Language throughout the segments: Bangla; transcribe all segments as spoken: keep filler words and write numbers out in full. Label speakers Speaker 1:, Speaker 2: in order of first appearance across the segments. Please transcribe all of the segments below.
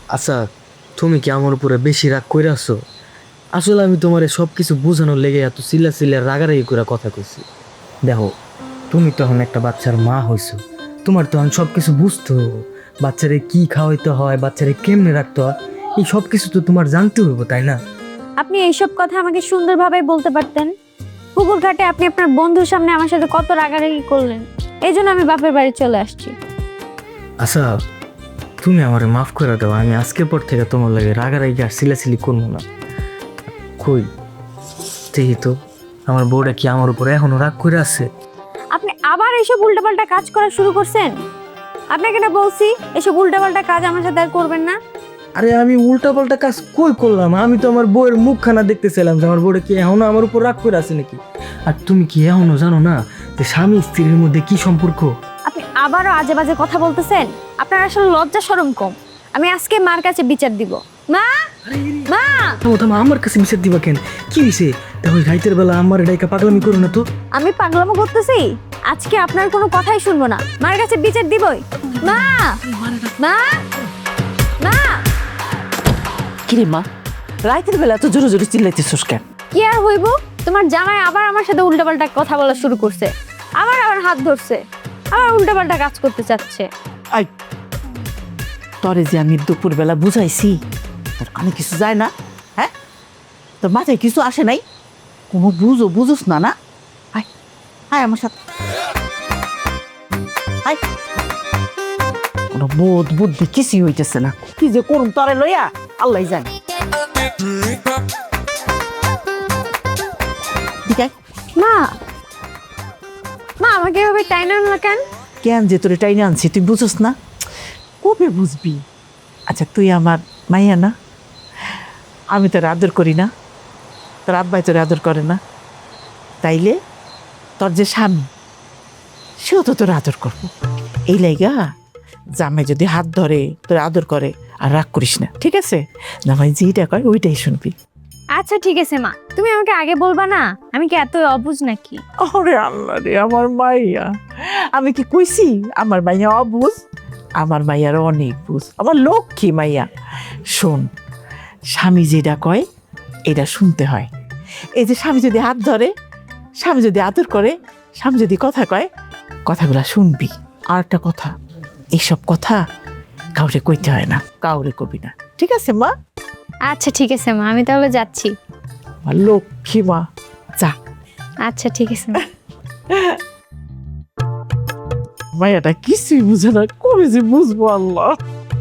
Speaker 1: আচ্ছা, তুমি কি আমার উপরে বেশি রাগ করে আসছো? আসলে আমি তোমার সব কিছু বোঝানোর লেগে এত চিল্লা চিল্লা রাগারাগি করে কথা কইছি। দেখো, তুমি তখন একটা বাচ্চার মা হইছো, তোমার তখন সব কিছু বুঝতে হবে। বাচ্চারে কি খাওয়াইতে হয়, বাচ্চারে কেমনে রাখতে হয়, এই সব কিছু তো তোমার জানতে হইব, তাই না?
Speaker 2: আপনি এইসব কথা আমাকে সুন্দরভাবে বলতে পারতেন। পুকুর ঘাটে আপনি আপনার বন্ধুর সামনে আমার সাথে কত রাগারাগি করলেন, এই জন্য আমি বাপের বাড়ি চলে আসছি।
Speaker 1: আচ্ছা, তুমি আমারে মাফ করে দাও। আমি আজকের পর থেকে তোমার লাগে রাগারাগি আর চিলাচিলি করবো না। কই দেখি তো, আমার বউটা কি আমার উপরে এখনো রাগ করে আছে?
Speaker 2: আপনি আবার এইসব উল্টাপাল্টা কাজ করা শুরু করছেন। আপনাকে না বলছি এসব উল্টাপাল্টা কাজ আমার সাথে আর করবেন না।
Speaker 1: আরে আমি উল্টা পাল্টা কাজ কই করলাম? আমি তো আমার বউয়ের মুখখানা দেখতেছিলাম যে আমার বউটা কি এখনো আমার উপর রাগ করে আছে নাকি। আর তুমি কি এখনো জানো না যে স্বামী স্ত্রীর মধ্যে কি সম্পর্ক?
Speaker 2: আপনি আবারও আজে বাজে কথা বলতেছেন। আপনার আসলে লজ্জা শরম কম। আমি আজকে মার কাছে বিচার দিব। মা, মা,
Speaker 1: থামো থামো, আমার কাছে বিচার দিবা কেন? কি হয়েছে? দেখো রাইতের বেলা আমার ডাইকা পাগলামি করো না তো।
Speaker 2: আমি পাগলামো করতেছি? আজকে আপনার কোনো কথাই শুনবো না, মার কাছে বিচার দিবই। মা, মা, মা।
Speaker 3: কিরে মা, রাইতের বেলা তো জোরে জোরে চিল্লাইতেছিস কেন?
Speaker 2: কি আর হইব, তোমার জামাই আবার আমার সাথে উল্টাপাল্টা কথা বলা শুরু করছে। আবার আমার হাত ধরছে, আবার উল্টাপাল্টা কাজ করতে চাচ্ছে।
Speaker 3: আই, তরে যে আমি দুপুর বেলা বুঝাইছি, তোর কানে কিছু যায় না? হ্যাঁ, তোর মাথায় কিছু আসে নাই? কোনো বুঝো বুঝোস না না? আয় আয় আমার সাথে আয়। কোনো বোধ বুদ্ধি কিছুই হইতেছে না। কি যে করুন তরে লইয়া আল্লাহ জানে। ঠিক আছে,
Speaker 2: মা, মা আমাকে এভাবে টাইনা আনলা কেন?
Speaker 3: কেন যে তোরে টাইনে আনছি তুই বুঝোস না? কবে বুঝবি? আচ্ছা, তুই আমার মাইয়া না? আমি তোর আদর করি না? তোর আব্বাই তোর আদর করে না? তাইলে তোর যে স্বামী, সেও তো তোর আদর করবো। এই লাইগা জামাই যদি হাত ধরে তোর আদর করে আর রাগ করিস না, ঠিক আছে? জামাই যেইটা কয় ওইটাই শুনবি।
Speaker 2: আচ্ছা ঠিক আছে মা, তুমি আমাকে আগে বলবা না? আমি কি এত অবুঝ নাকি?
Speaker 3: ওরে আল্লাহ রে, আমার মাইয়া! আমি কি কইছি আমার মাইয়া অবুঝ? আমার মাইয়ার অনেক বুঝ, আমার লক্ষ্মী মাইয়া। শোন, স্বামী যেটা কয় এটা শুনতে হয়। এই যে স্বামী যদি হাত ধরে, স্বামী যদি আদর করে, স্বামী যদি কথা কয়, কথাগুলা শুনবি। আর একটা কথা, এইসব কথা কাউরে কইতে হয় না, কাউরে কবি না, ঠিক আছে মা?
Speaker 2: আচ্ছা ঠিক আছে মা, আমি তাহলে যাচ্ছি।
Speaker 3: আমার লক্ষ্মী মা, যা।
Speaker 2: আচ্ছা ঠিক আছে মা।
Speaker 3: মায়াটা কিছুই বুঝে না, কবে যে বুঝবো আল্লাহ।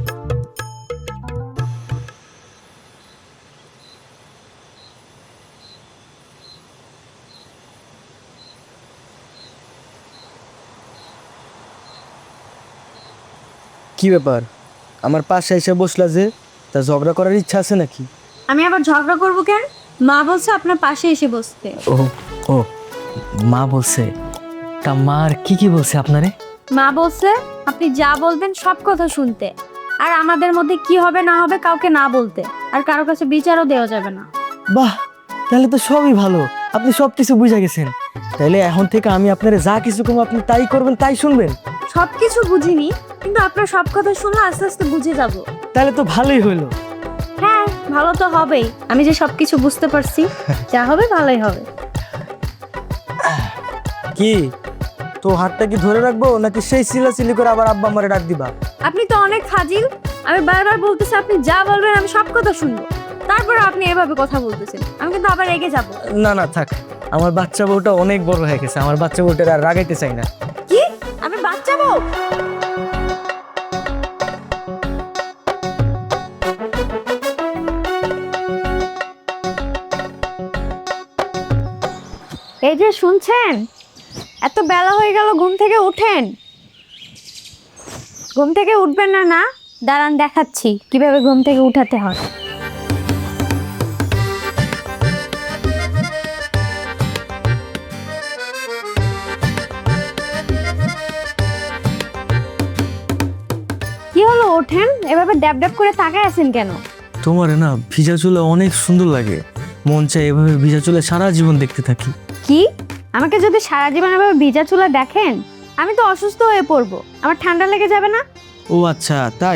Speaker 1: কি ব্যাপার, আমার পাশে এসে বসলা যে? তা ঝগড়া করার ইচ্ছা আছে নাকি?
Speaker 2: আমি আবার ঝগড়া করবো কেন? মা বলছে আপনার পাশে এসে বসতে।
Speaker 1: ও ও, মা বলছে? তা মা আর কি কি বলছে আপনারে?
Speaker 2: মা বলছে আপনি যা বলবেন সব কথা শুনতে, আর আমাদের মধ্যে কি হবে না হবে কাউকে না বলতে, আর কারো কাছে বিচারও দেওয়া যাবে না।
Speaker 1: বাহ, তাহলে তো সবই ভালো। আপনি সব কিছু বুঝে গেছেন। তাহলে এখন থেকে আমি আপনারে যা কিছু কম আপনি তাই করবেন, তাই শুনবেন।
Speaker 2: সব কিছু বুঝিনি, কিন্তু আপনার সব কথা শুনলে আস্তে আস্তে বুঝে যাব।
Speaker 1: তাহলে তো ভালোই হইলো।
Speaker 2: হ্যাঁ, ভালো তো হবেই। আমি যে সব কিছু বুঝতে পারছি, যা হবে ভালোই হবে।
Speaker 1: কি তো হাতটা কি ধরে রাখবো নাকি সেই চিল্লাচিল্লি করে আবার আব্বা আমারে ডাক দিবা?
Speaker 2: আপনি তো অনেক ফাজিল। আমি বারবার বলতেছি আপনি যা বলবেন আমি সব কথা শুনবো, তারপরে আপনি এভাবে কথা বলতেছেন, আমি কিন্তু আবার রেগে যাব।
Speaker 1: না না থাক, আমার বাচ্চা বউটা অনেক বড় হয়ে গেছে, আমার বাচ্চা বউটার আর রাগাইতে চাই না।
Speaker 2: কি? আমি বাচ্চা বউ? এই যে শুনছেন, এত বেলা হয়ে গেল, ঘুম থেকে উঠেন। ঘুম থেকে উঠবেন না? না, দাঁড়ান দেখাচ্ছি কিভাবে ঘুম থেকে উঠাতে হয়। কি হলো, ওঠেন। এভাবে ড্যাব ড্যাব করে তাকায় আছেন কেন?
Speaker 1: তোমারে না ভিজা চুলে অনেক সুন্দর লাগে, মন চাই এভাবে ভিজা চুলে সারা জীবন দেখতে থাকি।
Speaker 2: কি? আমাকে যদি সারা জীবন এভাবে ভিজা চুলা দেখেন, আমি তো অসুস্থ হয়ে পড়বো, আমার ঠান্ডা লেগে যাবে না?
Speaker 1: ও আচ্ছা তাই?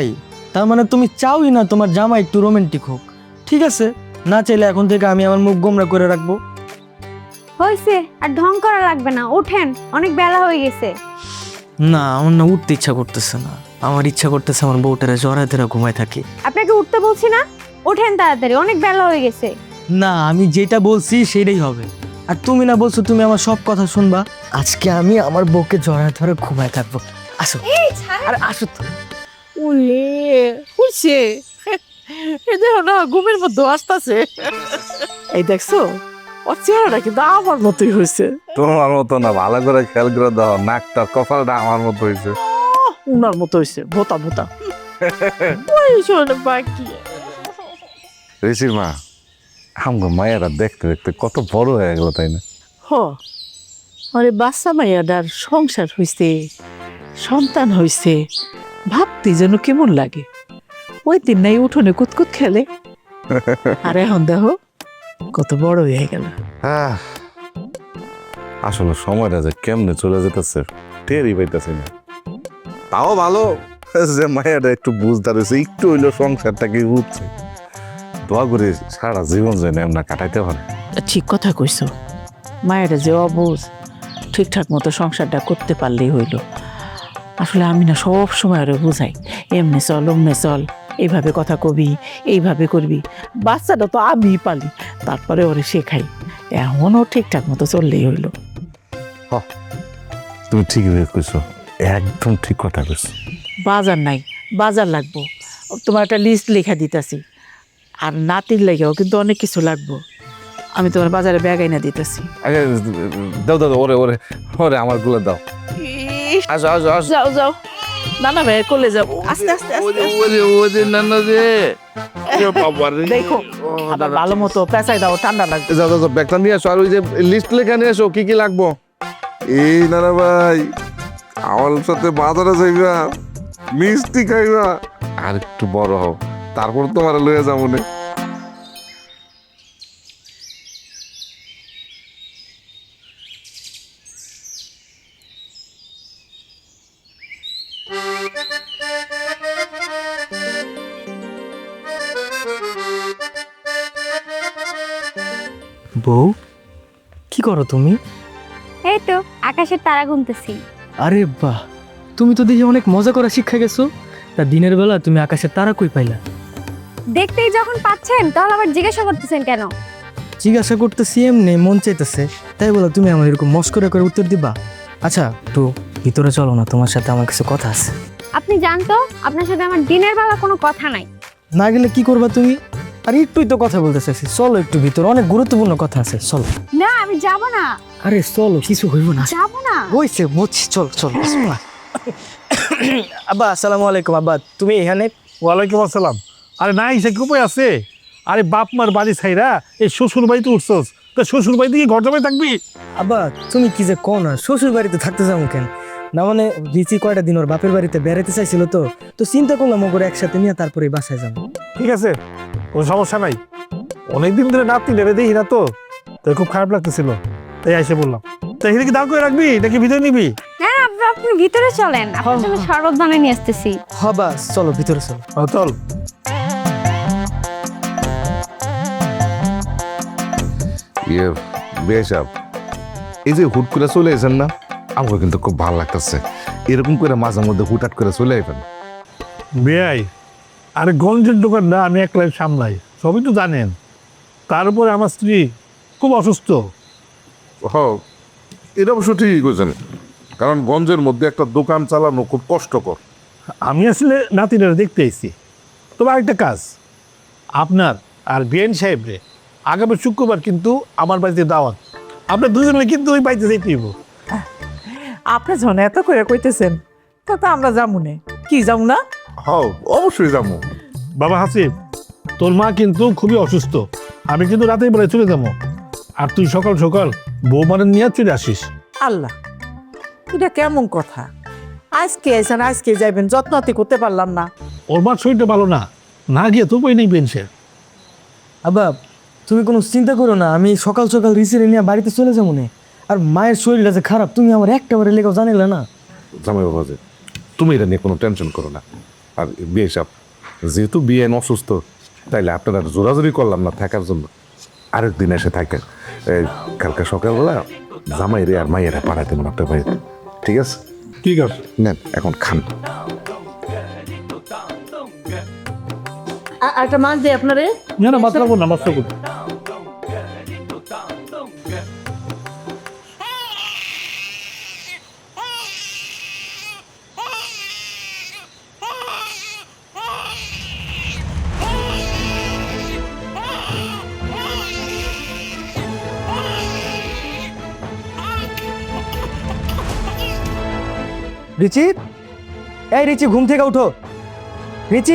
Speaker 1: তার মানে তুমি চাওই না তোমার জামা একটু রোমান্টিক হোক। ঠিক আছে, না চাইলে এখন থেকে আমি আমার মুখ গোমরা করে রাখবো।
Speaker 2: হয়েছে, আর ঢং করা লাগবে না, ওঠেন, অনেক বেলা হয়ে গেছে।
Speaker 1: না, আমার না উঠতে ইচ্ছা করতেছে না। আমার ইচ্ছা করতেছে আমার বউটারে জড়ায় ধরে ঘুমায় থাকি।
Speaker 2: আপনাকে উঠতে বলছি না, ওঠেন তাড়াতাড়ি, অনেক বেলা হয়ে গেছে।
Speaker 1: না, আমি যেটা বলছি সেটাই হবে। আর তুমি না বলছো তুমি আমার সব কথা শুনবা। আজকে আমি আমার বউকে জড়ায় ধরে ঘুমায় থাকবো। আসো, আরে আসো তো।
Speaker 3: উলে হইছে, এই দেখো না ঘুমের মধ্যে আসতেছে। এই দেখছো ওর চেহারাটা কিন্তু আমার মতোই হয়েছে।
Speaker 4: তোমার মতো না, ভালো করে খেয়াল করে দাও, নাকটা কপালটা আমার মতো হয়েছে।
Speaker 3: উনার মতো হয়েছে, ভোতা ভোতা। ওই শোনে বাকি
Speaker 4: ঋষির মা, আমগো মায়েরা দেখতে দেখতে কত বড় হয়ে গেল, তাই না?
Speaker 3: হ আরে বাচ্চা মাইয়াটার সংসার হইছে, সন্তান হইছে, ভাবতে যেন কেমন লাগে। ওই দিন নাই উঠোনে কুতকুত খেলে, আর এখন দেখো কত বড় হয়ে গেল।
Speaker 4: আহ, আসলে সময়টা যে কেমনে চলে যেতেছে টেরই পাইতেছি না। তাও ভালো যে মায়েরা একটু বুঝদার হয়েছে, একটু হইলো সংসারটাকে উঠছে। দোয়া করে সারা জীবন যেন এমনা কাটাইতে পারে।
Speaker 3: ঠিক কথা কইছো, মায়েরা যে অবুঝ, ঠিকঠাক মতো সংসারটা করতে পারলেই হইল। আসলে আমি না সব সময় আরো বুঝাই, এমনি চল অমনে চল, এইভাবে কথা কবি, এইভাবে করবি। বাচ্চাটা তো আমিই পালি, তারপরে ওরে শেখাই। এমনও ঠিকঠাক মতো চললেই হইল।
Speaker 4: তুমি ঠিকই কইছো, একদম ঠিক কথা কইছো।
Speaker 3: বাজার নাই, বাজার লাগবো। তোমার একটা লিস্ট লেখা দিতেছি, আর নাতির লেগেও কিন্তু অনেক কিছু লাগবো। আমি তোমার বাজারে ব্যাগ আইনা দিতেছি।
Speaker 4: আগে দাও দাও ওরে ওরে ওরে আমার গুলো দাও। আসো আসো আসো।
Speaker 3: যাও যাও, নানা ভাই কোলে যাও, আস্তে আস্তে আস্তে আস্তে।
Speaker 4: ওরে ওরে নানা রে, বাবা রে।
Speaker 3: দেখো আবার ভালো মতো পেঁচাই দাও, ঠান্ডা লাগবে।
Speaker 4: যাও যাও ব্যাগটা নিয়ে আসো, আর ওই যে লিস্ট লেখা নিয়ে আসো কি কি লাগবো। এই নানা ভাই, আমার সাথে বাজারে যাইবা, মিষ্টি খাইবা, আর একটু বড় হও, তারপর তোমার লয়ে যাবো না।
Speaker 1: বউ, কি করো তুমি?
Speaker 2: এই তো আকাশের তারা গুনতেছি।
Speaker 1: আরে বাহ, তুমি তো দেখি অনেক মজা করা শিক্ষা গেছো। তা দিনের বেলা তুমি আকাশের তারা কই পাইলা?
Speaker 2: দেখতেই যখন পাচ্ছেন তাহলে আবার জিজ্ঞাসা করতেছেন কেন?
Speaker 1: জিজ্ঞাসা করতেছি এমনি, মন চাইতেছে, তাই বলো তুমি আমার এরকম মস্করা করে উত্তর দিবা? আচ্ছা, একটু ভিতরে চলো না, তোমার সাথে আমার কিছু কথা আছে।
Speaker 2: আপনি জানতো আপনার সাথে আমার দিনের বেলা কোনো কথা নাই।
Speaker 1: না গেলে কি করবা তুমি? আর একটুই তো কথা বলতে চাইছি, চলো একটু ভিতরে, অনেক গুরুত্বপূর্ণ কথা আছে, চলো।
Speaker 2: না আমি যাব না,
Speaker 1: আরে চলো, কিছু হইব না।
Speaker 2: যাব না।
Speaker 1: হইছে বুঝছি, চল চল। আব্বা, আসসালামু আলাইকুম। আব্বা, তুমি এখানে?
Speaker 5: ওয়ালাইকুম আসসালাম। আরে না, সে কি উপায় আছে? আরে বাপ মার বাড়ি ছাইরা এই শ্বশুর বাড়িতে উঠছস, তো শ্বশুর বাড়িতে গিয়ে ঘর জমাই থাকবি?
Speaker 1: আব্বা, তুমি কি যে কো না, শ্বশুর বাড়িতে থাকতে যাবো কেন? না মানে রিচি কয়টা দিন ওর বাপের বাড়িতে বেড়াতে চাইছিল, তো তো চিন্তা করলাম ওগুলো একসাথে নিয়ে তারপরে বাসায় যাবো।
Speaker 5: ঠিক আছে, কোনো সমস্যা নাই। অনেকদিন ধরে নাতি নেবে দেখি না তো, তাই খুব খারাপ লাগতেছিল, তাই এসে বললাম। তো এখানে কি দাঁড় করে রাখবি নাকি ভিতরে নিবি?
Speaker 2: হ্যাঁ আপনি আপনি ভিতরে চলেন, আপনার জন্য শরবত বানিয়ে নিয়ে আসতেছি।
Speaker 1: হ্যাঁ বাস, চলো ভিতরে চলো।
Speaker 5: ও, চল।
Speaker 4: ইয়ে বেশাব, এই যে হুট করে চলে এসেন না, আমাকে কিন্তু খুব ভালো লাগতেছে। এরকম করে মাঝে মধ্যে হুটহাট করে চলে আসবেন।
Speaker 5: বেয়াই, আরে গঞ্জের দোকান না, আমি একলাই সামলাই, সবই তো জানেন। তার উপরে আমার স্ত্রী খুব অসুস্থ।
Speaker 6: হ, এটা অবশ্য ঠিকই কইছেন, কারণ গঞ্জের মধ্যে একটা দোকান চালানো খুব কষ্টকর।
Speaker 5: আমি আসলে নাতিনারা দেখতে এসেছি। তবে আরেকটা কাজ, আপনার আর বিএন সাহেবরে আগামী শুক্রবার কিন্তু আমার বাড়িতে দাওয়াত। আপনার দুজনে কিন্তু ওই বাড়িতে যেতে দিব।
Speaker 3: আপনি যখন এত করে কইতেছেন, তা তো আমরা যাবো না। কি যাবো না?
Speaker 6: হ, অবশ্যই যাবো।
Speaker 5: বাবা হাসিব, তোর মা কিন্তু খুবই অসুস্থ, আমি কিন্তু রাতের বেলায় চলে যাবো, আর তুই সকাল সকাল বৌমানের নিয়ে চলে আসিস।
Speaker 3: আল্লাহ, এটা কেমন কথা? আজকে এসেন আজকে যাইবেন, যত্নতি করতে পারলাম না।
Speaker 5: ওর মার শরীরটা ভালো না, না গিয়ে তো বই নেই বেনসের।
Speaker 1: আব্বা, তুমি কোনো চিন্তা করো না, আমি সকাল সকাল রিসিরে নিয়ে বাড়িতে চলে যাবো না। আর মায়ের শরীরটা যে খারাপ, তুমি আমার একটা বারে লেগেও জানিলে না।
Speaker 6: জামাই বাবা যে, তুমি এটা নিয়ে কোনো টেনশন করো না। আর বেশাব, যেহেতু বিয়েন অসুস্থ, তাইলে আপনারা জোরাজোরি করলাম না থাকার জন্য, আরেক দিন এসে থাকেন। এই কালকে সকালবেলা জামাই রে আর মাইয়েরা পাঠাইতে মনে আপনার বাড়িতে, ঠিক আছে?
Speaker 5: ঠিক আছে।
Speaker 6: নেন এখন খান।
Speaker 7: একটা মাছ দিই আপনারে।
Speaker 5: না না মাছ রাখবো না, মাছ রাখবো।
Speaker 1: রিচি, এই রিচি ঘুম থেকে উঠো। রিচি,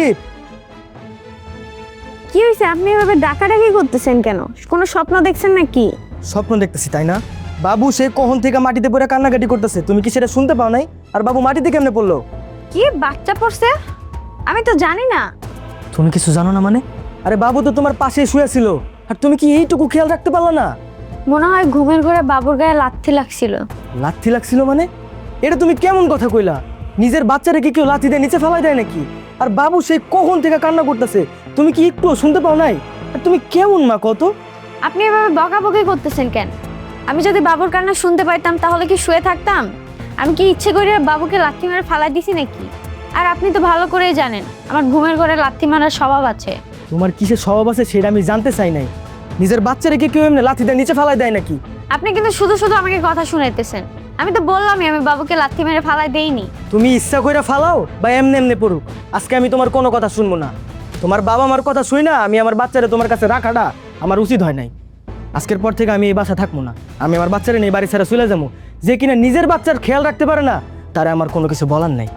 Speaker 2: কি হয়েছে? আপনি এভাবে ডাকাডাকি করতেছেন কেন? কোনো স্বপ্ন দেখছেন নাকি?
Speaker 8: স্বপ্ন দেখতেছি তাই না? বাবু সে কখন থেকে মাটিতে পড়ে কান্নাকাটি করতেছে, তুমি কি সেটা শুনতে পাও নাই? আর বাবু মাটিতে কেমনে পড়লো?
Speaker 2: কি বাচ্চা পড়ছে? আমি তো জানি না।
Speaker 8: তুমি কিছু জানো না মানে? আরে বাবু তো তোমার পাশে শুয়ে ছিল, আর তুমি কি এইটুকু খেয়াল রাখতে পারলো না?
Speaker 2: মনে হয় ঘুমের ঘরে বাবুর গায়ে লাথি লাগছিল।
Speaker 8: লাথি লাগছিল মানে? এটা তুমি কেমন কথা কইলা? নিজের বাচ্চারে কি কেউ লাথি দিয়ে নিচে ফেলাই দেয় নাকি? আর বাবু সেই কখন থেকে কান্না করতেছে, তুমি কি একটু শুনতে পাও নাই? আর তুমি কেমন মা কত?
Speaker 2: আপনি এভাবে বকাবকি করতেছেন কেন? আমি যদি বাবুর কান্না শুনতে পাইতাম তাহলে কি শুয়ে থাকতাম? আমি কি ইচ্ছে করে বাবুকে লাথি মেরে ফালাই দিছি নাকি? আর আপনি তো ভালো করেই জানেন আমার ঘুমের ঘরে লাথি মারার স্বভাব আছে।
Speaker 8: তোমার কিসের স্বভাব আছে সেটা আমি জানতে চাই নাই। নিজের বাচ্চারে কি কেউ এমনি লাথি দিয়ে নিচে ফেলাই দেয় নাকি?
Speaker 2: আপনি কিন্তু শুধু শুধু আমাকে কথা শুনাইতেছেন। আমি তো বললামই আমি বাবুকে লাথি মেরে ফালাই দেইনি।
Speaker 8: তুমি ইচ্ছা কইরা ফালাও বা এমনি এমনি পড়ুক, আজকে আমি তোমার কোনো কথা শুনবো না। তোমার বাবা মার কথা শুই না আমি আমার বাচ্চারে তোমার কাছে রাখাটা আমার উচিত হয় নাই। আজকের পর থেকে আমি এই বাসা থাকবো না। আমি আমার বাচ্চারে নিয়ে বাড়ি ছেড়ে চলে যাবো। যে কিনা নিজের বাচ্চার খেয়াল রাখতে পারে না, তারা আমার কোনো কিছু বলার নাই।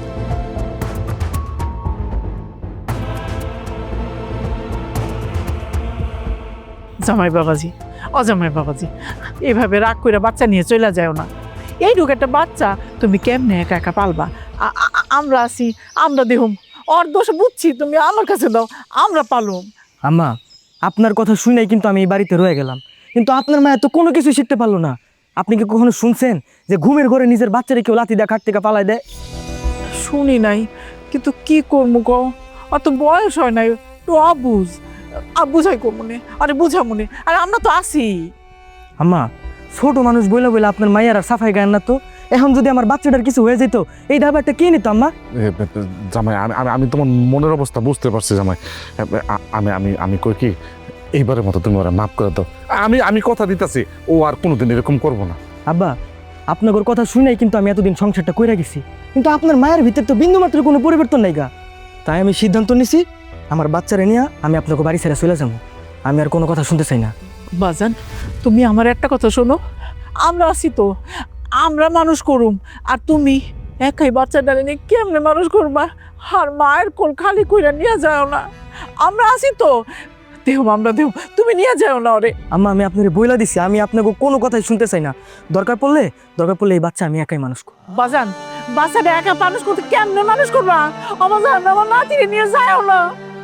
Speaker 3: জামাই বাবাজি, অজামাই বাবাজি, এভাবে রাগ করে বাচ্চা নিয়ে চলে যাও না। এইটুকু একটা বাচ্চা তুমি কেমনে একা একা পালবা? আ- আ- আমরা আছি, আমরা দেহুম। ওর দোষ বুঝছি, তুমি আমার কাছে দাও, আমরা পালুম।
Speaker 8: আম্মা, আপনার কথা শুই নাই কিন্তু আমি এই বাড়িতে রয়ে গেলাম, কিন্তু আপনার মায়ের তো কোনো কিছু শিখতে পারলো না। আপনি কি কখনো শুনছেন যে ঘুমের ঘরে নিজের বাচ্চারে কেউ লাথি দেয় খাট থেকে পালায় দেয়?
Speaker 3: শুনি নাই, কিন্তু কি করবো গো, অত বয়স হয় নাই, তো অবুঝ আর বুঝাই কমনে, আরে বুঝা মনে, আর আমরা তো আছি।
Speaker 8: আম্মা, ছোট মানুষ বইলা বইলা আপনার মায়ের আর সাফাই গায় না তো। এখন যদি আমার বাচ্চাটার কিছু হয়ে যেত, এই দাবারটা কে নিত আম্মা?
Speaker 4: এ, এ, জামাই আমি আমি- আমি তোমার মনের অবস্থা বুঝতে পারছি জামাই। এ, আ- আমি আমি আমি কই কি, এইবারের মতো তুমি ওরা মাফ করে দাও। আমি আমি কথা দিতেছি ও আর কোনোদিন এরকম করবো না।
Speaker 8: আব্বা, আপনার কথা শুই নাই কিন্তু আমি এতদিন সংসারটা কইরা গেছি, কিন্তু আপনার মায়ের ভিতর তো বিন্দু মাত্র কোনো পরিবর্তন নাই গা। তাই আমি সিদ্ধান্ত নিছি আমার বাচ্চারে নিয়ে আমি আপনাকে বাড়ি ছেড়ে চলে যাবো। আমি আর কোনো কথা শুনতে চাই না।
Speaker 3: বাজান, তুমি আমার একটা কথা শোনো, আমরা আছি তো, আমরা মানুষ করুম, আর তুমি একাই বাচ্চাটারে নিয়ে কেমনে মানুষ করবা? আর মায়ের কোল খালি কইরা নিয়ে যাও না, আমরা আছি তো, দেহ আমরা দেহ, তুমি নিয়ে যাও না ওরে।
Speaker 8: আম্মা, আমি আপনার বইলা দিছি আমি আপনাকে কোনো কথাই শুনতে চাই না। দরকার পড়লে দরকার পড়লে এই বাচ্চা আমি একাই মানুষ করব।
Speaker 3: বাজান, বাচ্চাটা একা মানুষ করতে কেমনে মানুষ করবা? আমার জান, আমার নাতিরে নিয়ে যাও না।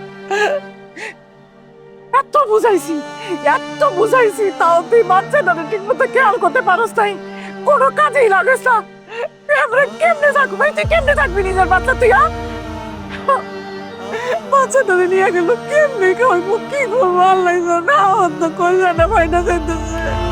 Speaker 3: এত বুঝাইছি, এত বুঝাইছি, তাও তুই বাচ্চাটারে ঠিক মতো খেয়াল করতে পারস নাই, কোনো কাজেই লাগেস না। আমরা কেমনে থাকবো ভাই, তুই কেমনে থাকবি নিজের বাচ্চা তুই? হ্যাঁ, বাচ্চাটারে নিয়ে গেল কেমনে খাওয়াইবো, কি করবো আল্লাহ জানে, আমার তো কল্যাণে ভাইটা যেতেছে।